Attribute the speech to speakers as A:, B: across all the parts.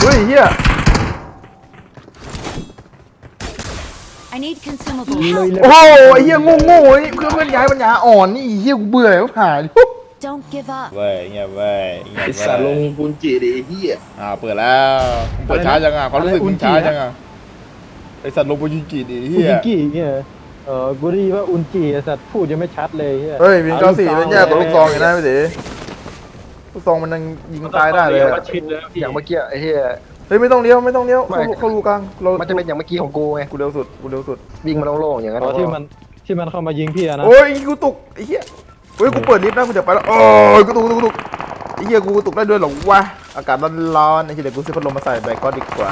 A: ฮ้ยเฮีย
B: I need consumables.
A: โอ้โหไอ้เฮียโง่นี่เพื่อนย้ายปัญญาอ่อนนี่เฮียกูเบื่อแล้วผ่าน
B: Don't give up.
A: เว้ยเงียบเว้ยเงียบ
C: ไอ
A: เว้
C: สัตว์ลง
A: ย
C: ปุนจีดิไอ้เหี้ย
A: เปิดแล้วเปิดช้าจังอ่ะเขารู้สึกมันช้าจังอ่ะไอสัตว์ลงไปยิงจีดิ
D: อุ
A: เฮีย
D: จิกิเนี่ยกูได้ยินว่าอุนจิไอ้สัตว์พูดยังไม่ชัดเลยเฮีย
A: เฮ้ยวิน94เป็นแย่ตัวลูกซองอยู่นะพี่ตีลูกซองมันยังยิงตายได้เลย
D: มาชิดเลยพี่
C: อย่างเมื่อกี้ไอ้เหี้ย
A: เฮ้ยไม่ต้องเลี้ยวเข้ารูกลางเรา
C: มันจะเป็นอย่างเมื่อกี้ของกูไง
A: กูเร็วสุด
C: วิ่งมาโล่งๆอย่างนั้น
D: อ๋อที่มันเข้ามายิงพี่อะนะ
A: โอ้ยกูตกไอ้เหี้ยเฮ้ยกูเปิดลิฟต์นะกูจะไปแล้วโอ้ยกูตกไอ้เหี้ยกูตกได้ด้วยเหรอวะอากาศร้อนไอ้เหี้ยเดี๋ยวกูซื้อพัดลมมาใส่แบกก็ดีกว่า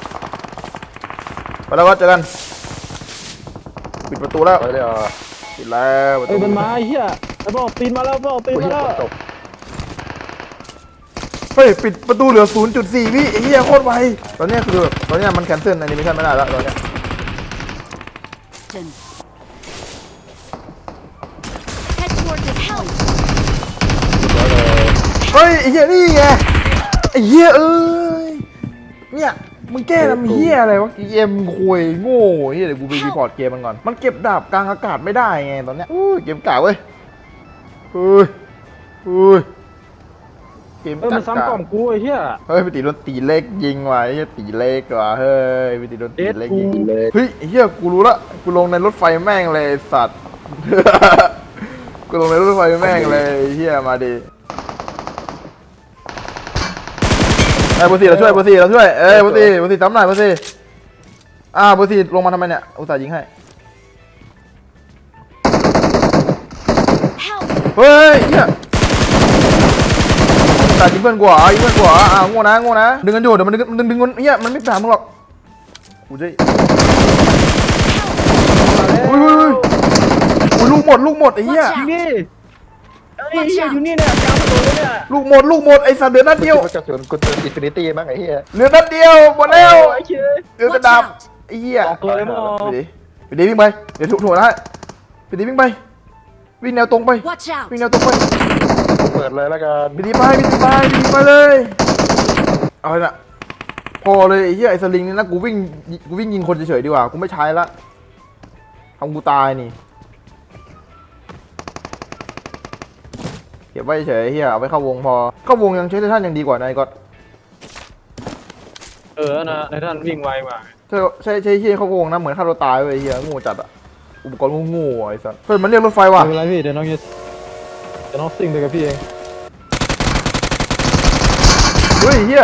A: ไปแล้วก็เจอกันปิดประตูแล้ว
C: ไปเลยอ่ะ
A: ปิดแล้วประตู
D: เอ้ยมันมาไอ้เฮียไอ้บอกตีนมาแล้วบอกตีน
C: กู
D: มา
C: เหี้ย
D: แล้ว
C: ตก
A: เฮ้ยปิดประตูเหลือ 0.4 วิไอ้เหี้ยโคตรไวตอนเนี้ยคือแบบตอนเนี้ยมันแคนเซิลแอนิเมชันไม่ได้แล้วตอนเนี้ย
B: Head toward the help.
A: เฮ้ยไอ้เหี้ยนี่ไงไอ้เหี้ยเอ้ยเนี่ยมึงแก้ทำเหี้ยอะไรวะเกมคุยโง่เหี้ยเดี๋ยวกูไปรีพอร์ตเกมมันก่อนมันเก็บดาบกลางอากาศไม่ได้ไงตอนเนี้ยอู้ยเกมกากเว้ยเฮ้ยเกม
D: เออมันซ้ำกล่อมกูไอ้เฮีย
A: เฮ้ยไปตีโดนตีเล็กยิงว่ะไอ้เหี้ยตีเล็กว่ะเฮ้ยไปตีโดนตีเล็กยิง
C: เลย
A: เฮ้ยไอ้เหี้ยกูรู้ละกูลงในรถไฟแม่งเลยไอ้สัตว์ กูลงในรถไฟแม่งเลยไอ้เหี้ยมาดิไอ้เบอร์สี่เราช่วยเบอร์สี่เอ้ยเบอร์สี่ทำหน่อยเบอร์สี่เบอร์สี่ลงมาทำไมเนี่ยอุตส่าห์ยิงให้
B: Help.
A: เฮ้ยเหี้ยอุตส่าห์ยิงเพื่อนกูเหรอโง่นะดึงกันอยู่เดี๋ยวมันดึงกันเหี้ยมันไม่ผ่านมึงหรอกกูจะอุ้ยลูกหมดไอ้เหี้ย
B: Watch out.
D: นี่ไอ้เฮียอยู่นี่เนี่ยกลางถนนเลยเนี่ย
A: ลูกหมดไอ้สัตว์เดือดนัดเดียว
C: กูจะสวนกูเติมอินฟินิตี้มั้งไอ้เหี้ย
A: เหลือนัดเดียวหมดแล้ว
D: ไอ้เชี่ย
A: เหลือกระ
B: Watch
A: ดาบ
B: out.
A: ไอ้เหี้ย
D: ออกตัวเลยมั้งอ๋อ
A: ไปดิวิ่งไปเดี๋ยวถูกนะไปดิวิ่งไปวิ่งแนวตรงไป
B: Watch out.
A: วิ่งแนวตรงไป
C: เปิดเลยแล้วกัน
A: ไปไปเลยเอาละพอเลยไอ้เหี้ยไอ้สลิงนี่นะกูวิ่งยิงคนเฉยๆดีกว่ากูไม่ใช้ละทำกูตายนี่เก็บไว้เฉยๆเหี้ยเอาไปเข้าวงพอเข้าวงยังใช้ท่านยังดีกว่านายก็
D: นะในท่านวิ่งไวมา
A: ใช่เหี้ยเข้าวงนะเหมือนฆ่าตัวตายเลยเหี้ยงูจัดอะอุปกรณ์งูไอ้สัสเฮ้ยมันเรียกรถไฟว่ะ
D: ไม่เป็นไรพี่เดี๋ยวน้องซิ่งไปกับพี่เอง
A: เฮ้ยเหี้ย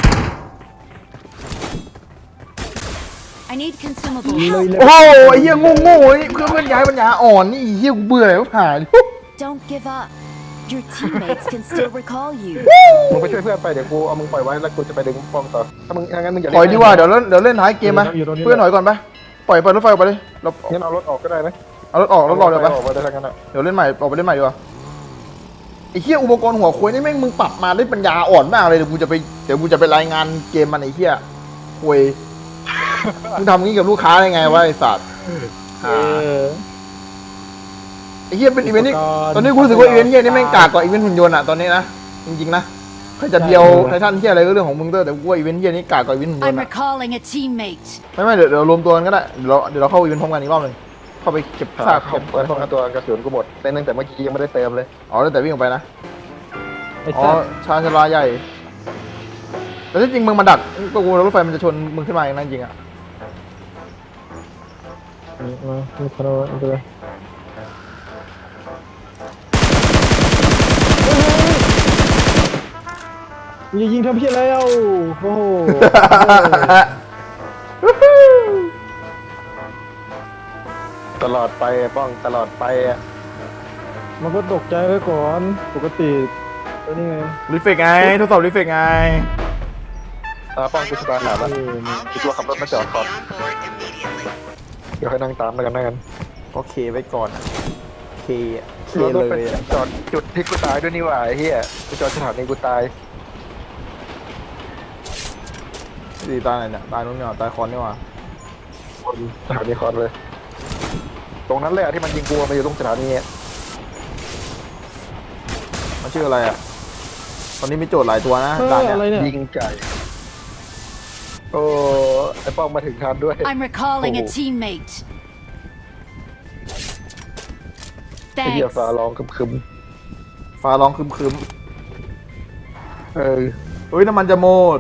B: I need consumables.
A: โอ้โหไอ้เหี้ยโง่นี่เพื่อนย้ายปัญญาอ่อนนี่เหี้ยกูเบื่อแล้วผ่าน
B: Don't give up. Your teammates can still recall you.
C: มึงไปช่วยเพื่อนไปเดี๋ยวกูเอามึงปล่อยไว้แล้วกูจะไปดึงป้อมต่อถ้ามึงงั้นมึงอย่า
A: ถอยดีกว่าเดี๋ยวเล่นท้ายเกมมาเพื่อนถอยก่อนไปปล่อยรถไฟออกไปเลยเรา
C: งั้นเอารถออกก็ได้นะ
A: เอารถออกแล้วรอเดี๋ยวไป
C: ออกไปได้ทั้งนั้นอ่ะ
A: เดี๋ยวเล่นใหม่ออกไปเล่นใหม่ดีกว่าไอ้เหี้ยอุปกรณ์หัวควยนี่แม่งมึงปรับมาได้ปัญญาอ่อนมากเลยเดี๋ยวกูจะไปรายงานเกมมันไอ้เหี้ยควยมึงทำงี้กับลูกค้าได้ไงวะไอ้สัตว์
D: เออ
A: ไอ้เหี้ยเป็นอีเวนต์นี่ตอนนี้กูรู้สึกว่าอีเวนต์เหี้ยนี่แม่งกากกว่าอีเวนต์หุ่นยนต์อะตอนนี้นะจริงๆนะใครจะเดียวไททันเหี้ยอะไรก็เรื่องของมึงเถอะแต่กูว่าอีเวนต์เหี้ยนี่กากกว่าอีเวนต์หุ่นยน
B: I'm
A: ต์อะ
B: recalling a teammate.
A: ไม่เดี๋ยวรวมตัวกันก็ได้เดี๋ยวเราเข้าอีเวนต์พร้อมกันอีกรอบหนึ่งเข้าไปเก็บซาก
C: เก็บป้องกันตัวกระสุนกูหมดเล่นตั้งแต่เมื่อกี้ยังไม่ได้เติมเลย
A: อ๋อแต่วิ่งออกไปนะ
D: ไอ้
A: อ๋อ
D: สัตว์
A: ชานชาลาใหญ่แต่ที่จริงมึงมาดักก็กลัวรถไฟมันจะชนมึงขึ้นมาอย่างนั้นจริงอะ
D: มาคอนโดนตัวอย่ายิงทำพี่แล้วโอ้โห
C: ตลอดไปป้องตลอดไปอ่ะ
D: มันก็ตกใจไว้ก่อนปกติตัวนี้ไง
A: รีเฟกไงทดสอบรีเฟกไง
C: ป้องกูสบายหนาแล้ว
D: เออ
C: กูตัวขับรถมาจอดก่อนเดี๋ยวให้นั่งตามแล้วกัน
A: ก็เคไว้ก่อนอะเคเค
C: รถ
A: เล
C: ไป
A: ยอะ
C: จอดจุดที่กูตายด้วยนี่หว่าไอ้เหี้ยกูจอดสถานีกูตาย
A: ดีตายไหนเนี่ยตายนู้นเนี่ยตายคอนนี่หว่า
C: คนสถานีคอนเลย ตรงนั้นเลยอ่ะที่มันยิงกูมาอยู่ตรงสถานีอ่ะ
A: มันชื่ออะไรอะตอนนี้มีโจทย์หลายตัวนะด่าน
D: อะไร
A: เนี่ย
D: เนี่ย
C: ยิงไก่โอ้ไอ้ป้องมาถึงทันด้วย
B: I'm recalling a
C: Oh.
B: teammate.
C: ไอ้เหี้ย
B: Thanks.
C: ฟ้าร้องคึม
A: ฟ้าร้องครึม
C: ๆเออ
A: ๆเฮ้ยน้ำมันจะหมด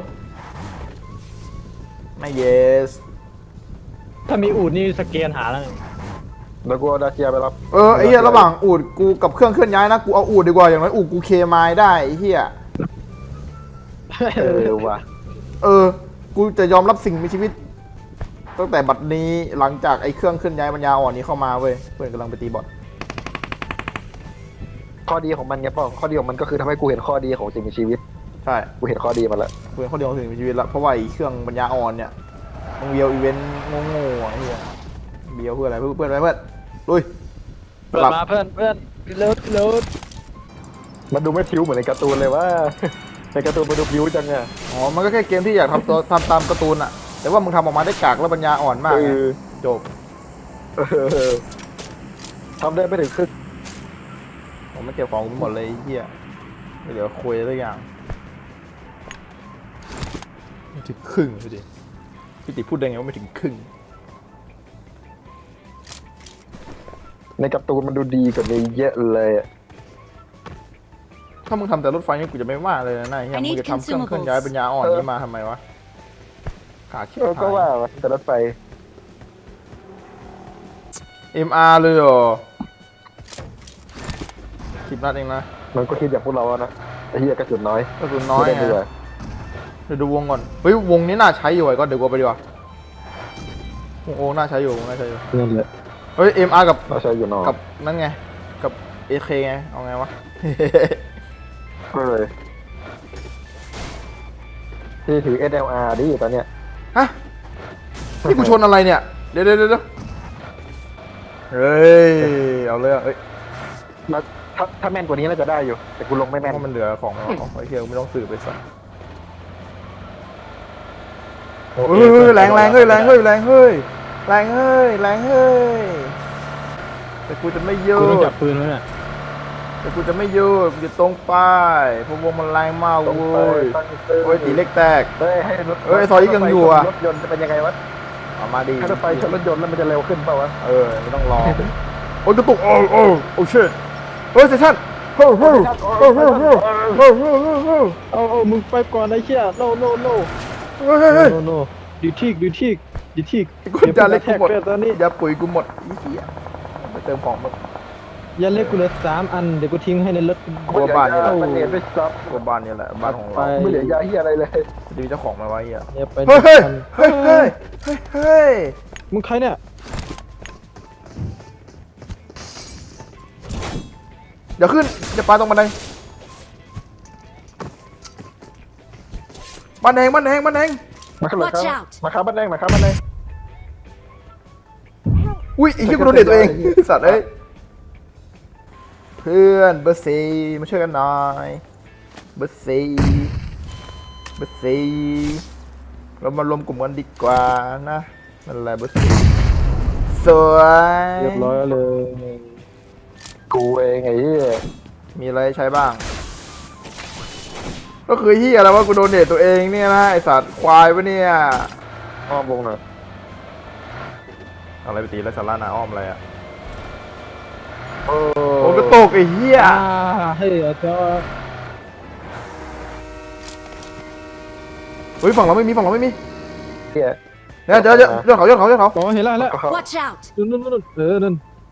A: ไม่เยส
D: ถ้ามีอูดนี่สแกนหาแล้ว
C: แล้วกูเอาดาเจียไปรับ
A: ไอ้เหี้ยระหว่างอูดกูกับเครื่องเคลื่อนย้ายนะกูเอาอูดดีกว่าอย่างน้อยอูดกูเคมายได้ไอ้เหี้ย
C: เออว่ะ
A: กูจะยอมรับสิ่งมีชีวิตตั้งแต่บัดนี้หลังจากไอ้เครื่องเคลื่อนย้ายปัญญาอ่อนนี้เข้ามาเว้ยเพื่อนกำลังไปตีบอท
C: ข้อดีของมันไงป้องข้อดีของมันก็คือทำให้กูเห็นข้อดีของสิ่งมีชีวิต
A: ใช่
C: กูเห็นข้อดีมันแล้ว
A: กูเป็นคนเดียวของสิ่งมีชีวิตละเพราะว่าไอ้เครื่องปัญญาอ่อนเนี่ยมึงเบียวอีเวนต์โง่ๆไอ้เหี้ยเบียวเพื่ออะไรเพื่อนอะไรเพื่อนลุย
D: เปิดมาเพื่อนเร็ว
C: มันดูไม่พิ้วเหมือนในการ์ตูนเลยว่า ในการ์ตูนมันดูพิ้วจังอะ
A: อ๋อมันก็แค่เกมที่อยากทำตัวทำตามการ์ตูนอะแต่ว่ามึงทำออกมาได้กากและปัญญาอ่อนมากไงจบ
C: เออทำได้ไม่ถึงครึ่ง
A: ผมไม่เก็บของกูหมดเลยไอ้เหี้ยไม่เหลือคุยสักอย่างไม่ถึงครึ่งพี่ดิพี่ติพูดได้ไงว่าไม่ถึงครึ่ง
C: ในการ์ตูนมันดูดีกว่านี้เยอะเลยอะ
A: ถ้ามึงทำแต่รถไฟนี่กูจะไม่ว่าเลยนะนายเฮีย
B: I
A: มึ
B: need
A: งจะทำเครื่อง
B: consumables
A: เคลื่อนย้ายปัญญาอ่อนนี่มาทำไมวะขาคิด
C: ก็
A: หาย
C: ว่าแต่รถไฟ
A: MR เลยเหรอ10 นัดเองนะ
C: มันก็คิดอย่างพวกเราอะนะไอ้เหี้ยกระสุนน้อย
A: กระสุนน้อย
C: ไม่
A: ไง
C: ได้ดีกว่า
A: เดี๋ยวดูวงก่อนเฮ้ยวงนี้น่าใช้อยู่ไอ้ก็เดี๋ยวกูไปดีกว่าโอ้น่าใช้อยู่น่าใช้อยู่
D: นั่นแหละ
A: เฮ้ย MR กับ
C: เราใช้อยู่นอก
A: กับนั่นไงกับ AK ไงเอาไงวะ
C: ก็เลยที่ถือ SLR ดิตอนเนี้ย
A: ฮะนี่กูชนอะไรเนี่ยเดี๋ยวเฮ้ยเอาเลยเอ้ย
C: แล้วถ้าแม่นกว่านี้น่าจะได้อยู่ แต่กูลงไม่
A: เพ
C: แม่น
A: ราะมันเหลือของแล้วไอ้เฮียกูไม่ต้องสืบไปสัก เฮ้ยแรงเฮ้ยแรงเฮ้ยแต่กูจะไม่โย
D: กูต้อง
A: น
D: จับปืนไว้น่ะ
A: แต่กูจะไม่โยนกูจะตรงไปเพราะวงมันแรงมาก
C: ตรง
A: เว้
C: ไป
A: ย
C: ตั้งเตอร์
A: โอ้ยตีเล็กแตก
C: เฮ้ยให้รถ
A: เฮ้ยซอยยิ่งยังอยู่อะ
C: รถยนต์จะเป็นยังไงวะ
A: เอามาดี
C: ถ้ารถไฟชนรถยนต์แล้วมันจะเร็วขึ้นเปล่าวะ
A: ไม่ต้องรอโอ้ยกระตุกโอ้เชิดเฮ้ยเซชั่นเฮ้ย
D: เอามึงไปก่อนไอ้เหี้ยโน่โน่ดีทีก
A: กูจะเล็กกูหมด
D: ตอนนี้
A: ยาปุ๋ยกูหมดอีเหี้ยไปเติมของมา
D: ยันเล็กกูเหลือ3 อันเดี๋ยวกูทิ้งให้ในรถ
A: กลัวบ้านนี่แหละ
C: มันเรียนไม่ซับ
A: กูบ้านนี่แหละบ้านของเรา
C: ไม่เหลือยาเฮียอะไรเลย
A: จะมีเจ้าของไหมวะเหี้ย
D: เนี่ยไป
A: เฮ้ย
D: มึงใครเนี่ย
A: เดี๋ยวขึ้นจะปาตรงบันไดบ้านแดง
C: มาครับ
B: Watch out
C: มาครับบ้านแดงมาครับบ้านแดง
A: อุ้ยไอ้เหี้ยกูโดนเด็ดตัวเองสัตว์เอ้ยเพื่อนเบอร์สี่มาช่วยกันหน่อยเบอร์สี่เรามารวมกลุ่มกันดีกว่านะนั่นแหละเบอร์สี่สวย
D: เรียบร้อยเลย
C: กูเองไอ้เหี้ย
A: มีอะไรใช้บ้าง ก็คือเหี้ยอะไรวะกูโดนเด็ดตัวเองเนี่ยนะไอสัตว์ควายปะเนี่ย
C: อ้อมวงหน่อย
A: อะไรไปตีแล้วสาระนาอ้อมอะไรอ่ะ
C: โอ้
A: โอ้กระตกไอ้เหี้ย
D: เฮ้ยเจ้า
A: เฮ้ยฝั่งเราไม่มี
C: เหี้ย
A: เนี่ยเจอเขา
D: อ๋อเห็นแล้ว
B: Watch out!
D: นู่นนั่น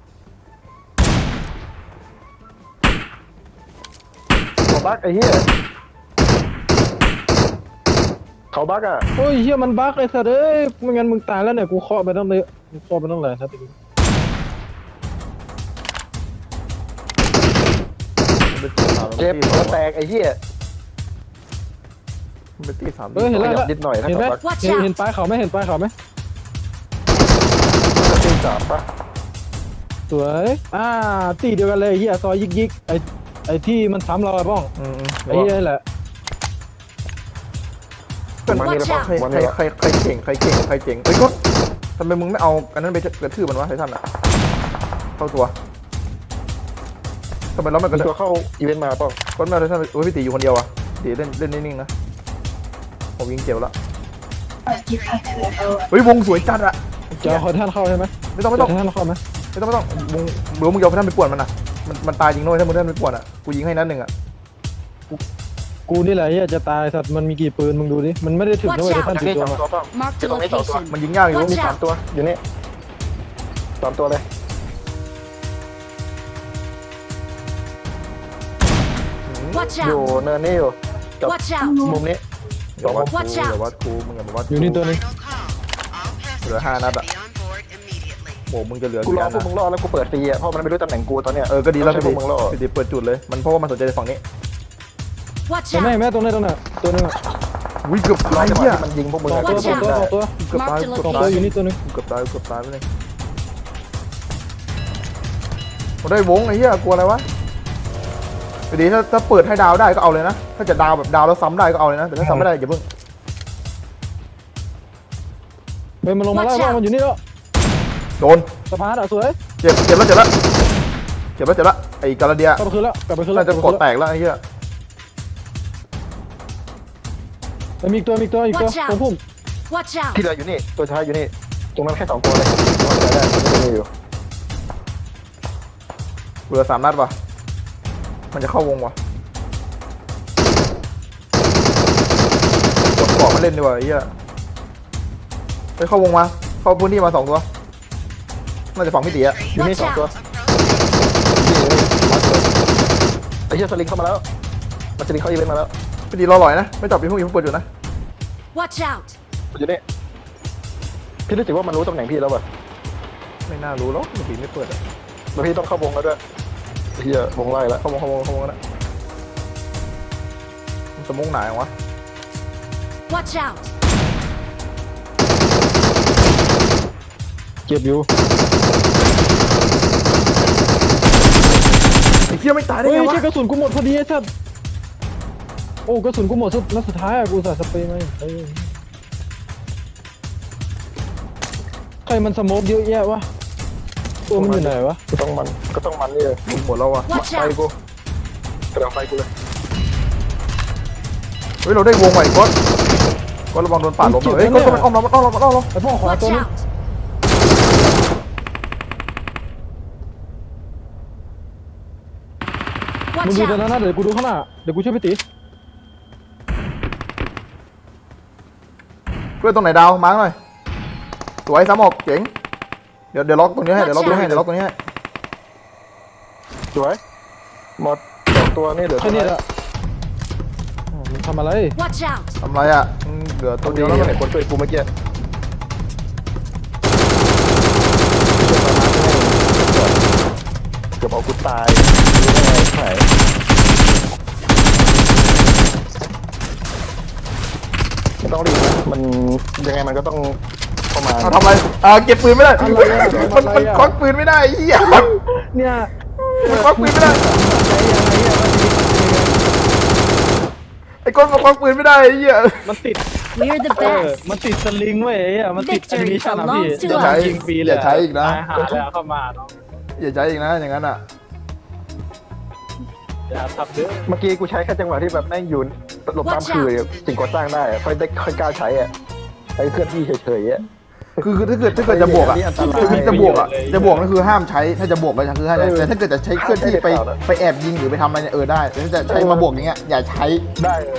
C: เขาบักไอ้เหี้ยเขาบักอ่ะ
D: โอ้ยเฮียมันบั๊กไอ้สัตว์เอ้ยไม่งั้นมึงตายแล้วเนี่ยกูเคาะไปต้องเลยเคาะไปต้องหลายครับ
C: เจ็บหัวแตกไอ้เหี้ย
A: มันเป็นตีสาม
D: เห็นแล้ว
C: ขยับนิดหน่อยถ้า
D: เห็นไหม
C: เขาบัก
B: Watch
D: เห็น
B: out!
D: ป้ายเขาไหมเห็นป้ายเขาไหม
C: ตีสามปะ
D: สวยตีเดียวกันเลยเฮียซอยยิกไอ้ที่มันซ้ำเราไอ้บ้องไอ้เฮียแหละ
C: มันนี่แล้วปะ
A: ใคร
C: มันนี่แล้ว
A: เก่งเฮ้ยก็ทำไมมึงไม่เอาอันนั้นไปกระทืบมันวะไททันอ่ะเข้าตัวทำไมเราไม่ก
C: มี
A: ระทืบ
C: ตัวเข้าอีเวนต์มาเปล่า
A: ก้นแม่ไททันโอ้ยพี่ตีอยู่คนเดียวอ่ะตีเล่นนิ่งๆนะผมยิงเจ็บแล้วเฮ้ยวงสวยจัดอะ
D: จะเอาคอยท่านเข้าใช่ไหม
A: ไม่ต้อง
D: จะให้ท่านเข้าไหม
A: วงเดี๋ยวมึงเอาท่านไปป่วนมันอะมันตายจริงด้วยถ้ามึงท่านไปป่วนอะกูยิงให้นัดหนึ่งอะ
D: กูนี่แหละเฮียจะตายสัตว์มันมีกี่ปืนมึงดูดิมันไม่ได้ถึงด้วยท่าน
C: อยู่
D: ติด
C: นี่
D: ตัว
C: สอง
D: มา
C: ตัวเปล่า
B: Marked a
C: ตรงนี้สองตัว
B: location.
A: มันยิงยากอยู่
B: Watch
C: มีสามตัวอยู่นี่สามตัวเลย
B: Watch
C: อยู่
B: out!
C: เนินนี่อยู่กับ
B: Watch out!
C: มุมนี้
A: อย่าวัดกู
B: Watch
A: อ
B: out
A: ย่าวัดกูมึงอย่ามาวัด
D: อยู่นี่ตัวนึง
A: เหลือ5 นัดอะโอ้มึงจะเหลือ
C: กู
A: กี่
C: รอ
A: อัน
C: พวก
A: นะ
C: มึงรอแล้วกูเปิดตีอ่ะเพราะมันไม่รู้ตำแหน่งกูตอนเนี้ย
A: ก็ดีแล้ว
C: ใช่
A: พี่
C: พวกมึงรอ
A: พี่ดิเปิดจุดเลยมันเพราะว่ามันสนใจฝั่งนี้
B: Watch
D: แต่แม่
B: out!
D: แม่ตรงนี้ตรงนั้นตัวนึง
A: วิ่งเกือบ
C: รอ
A: ตาย
C: จังหวะ
A: เหี้ย
C: ที่มันยิงพวกมึง
D: สอง
C: อะ
D: ตัวสองตัวสองตัว
A: เกือบตาย
B: Marked a
A: เกือบ
D: สอง
A: ตา
D: ตัวย อยู่นี่ตัวนึง
A: เกือบตายไปเลยผมได้วงไอ้เหี้ยกลัวอะไรวะไปดีถ้าเปิดให้ดาวได้ก็เอาเลยนะถ้าจะดาวแบบดาวแล้วซ้ำได้ก็เอาเลยนะแต่ถ้าซ้ำไม่ได้อย่าเพิ่ง
D: เฮ้ยมันลงมาแล้วบ้างมันอยู่นี่แล้ว
A: โดน
D: สะพานอ่ะสวย
A: เจ็บแล้วไอ้กาลาเดีย
D: กลับไปคืนแล้วกลับไปคืนแล้
A: น่าว จะกดแตกแล้วไอ้เหี้ย
D: มีอีกตัวมีอีกตัวอีกตัว
B: Watch out
D: ตรงพุ่ม
B: Watch out!
C: ที่เหลืออยู่นี่ตัวท้ายอยู่นี่ตรงนั้นแค่สองตัวเลยว่าจะได้มันจะมีอยู่
A: เหลือ3 นัดว่ะมันจะเข้าวงว่ะกดเกาะมาเล่นดีกว่าไอ้เหี้ยไปเข้าวงมาเข้าพื้นที่มา2 ตัวน่าจะฝั่งพี่ตีอะ
C: อยู่นี่
B: Watch
C: สองตัว
B: out!
C: นี่มัดเลยไอ้เหี้ยสลิงเข้ามาแล้วมันสลิงเข้าอีเวนต์มาแล้ว
A: พี่ตีรอหน่อยนะไม่จับพี่พวกนี้เพิ่งเปิดอยู่นะ
B: Watch out!
C: มันอยู่นี่พี่รู้สึกว่ามันรู้ตำแหน่งพี่แล้วป่ะ
A: ไม่น่ารู้หรอกพี่ตีไม่เปิดอะ
C: แล้วพี่ต้องเข้าวงแล้วด้วยไอ้เหี้ยวงไล่แล้ว
A: เข้าวงนะมันสมองหนายวะ
B: Watch out!
D: เก็บอยู่
A: ไอ้เหี้ยไม่ตายได้
D: เฮ้ย
A: ไงวะ
D: ใช่กระสุนกูหมดพอดีไอ้สัตว์โอ้กระสุนกูหมดสุดนัดสุดท้ายอ่ะกูใส่สเปรย์มาเฮ้ยใครมันสโมกเยอะแยะวะตัวมันอยู่ไหนวะ
C: ก็ต้องมันนี่เลย
A: หมดแล้ววะ
B: Watch
C: ไฟ
B: out!
C: กูกระดังไฟกูเลย
A: เฮ้ยเราได้วงใหม่ก็ระวังโดนปาดลมเฮ้ยก็มันอ้อมเรา
D: ไอ้พ่อขวา
B: Watch
D: ตัวนึง
B: out!
D: มึง
B: Watch
D: ดูตรง
B: out!
D: นั้นนะเดี๋ยวกูดูข้างหน้าเดี๋ยวกูช่วยพี่ตี
A: เพื่อนตรงไหนดาวมาร์กหน่อยสวยซ้ำออกเจ๋งเดี๋ยวล็อกตรงนี้ให้เดี๋ยวล็อกตรงนี้ให้
C: สวยหมดสองตัวนี่เหลือ
D: แค่นี้แหละอ๋อมันทำอะไร
B: Watch out!
A: ทำไรอ่ะเหลือ
C: ตั
A: ตัว ว
C: เดี
A: เดี
C: ย
A: ยว ว
C: แล้
A: แล้ว ว
C: ไหนคนช่วยกูเมื่อกี้เกือบเอากูตายไม่ได้ไม่ต้องรีบนะมันยังไงมันก็ต้องเข้ามา
A: ทำไรเก็บปืนไม่ได้มันควักปืนไม่ได้เหี้ย
D: เนี่ย
A: มันควักปืนไม่ได้ ไอ้ก้นมันควักปืนไม่ได้ไอ้เหี้ย
D: มันติด
B: We're the
D: มัน
B: best!
D: ติดสลิงเว้ยไอ้อะมันติด
B: Victory
D: แอนิเมชั่นอะพี่
B: belongs to
D: จะ
B: us
D: ยิงฟรีเลย
A: อย่าใช้อีกนะ
D: ตายหาแล้วเข้ามาเนาะ
A: อย่าใช้อีกนะอย่างนั้นอ่ะ
D: อย่าทับเด้อ
C: เมื่อกี้กูใช้แค่จังหวะที่แบบแม่งอยู่หลบตามคือสิ่งก่อสร้างได้อะค่อยกล้าใช้อ่ะใช้เคลื่อนที่เฉยๆอ่ะ
A: คือถ้าเกิดจะบวกอ่ะ
C: อันตราย
A: คือจะบวกอ่ะนั่นคือห้ามใช้ถ้าจะบวกก็คือให้แต่ถ้าเกิดจะใช้เคลื่อนที่ไปแอบยิงหรือไปทำอะไรเนี่ยได้แต่ถ้าจะใช้มาบวกอย่างเงี้ยอย่าใช้
C: ได้เลย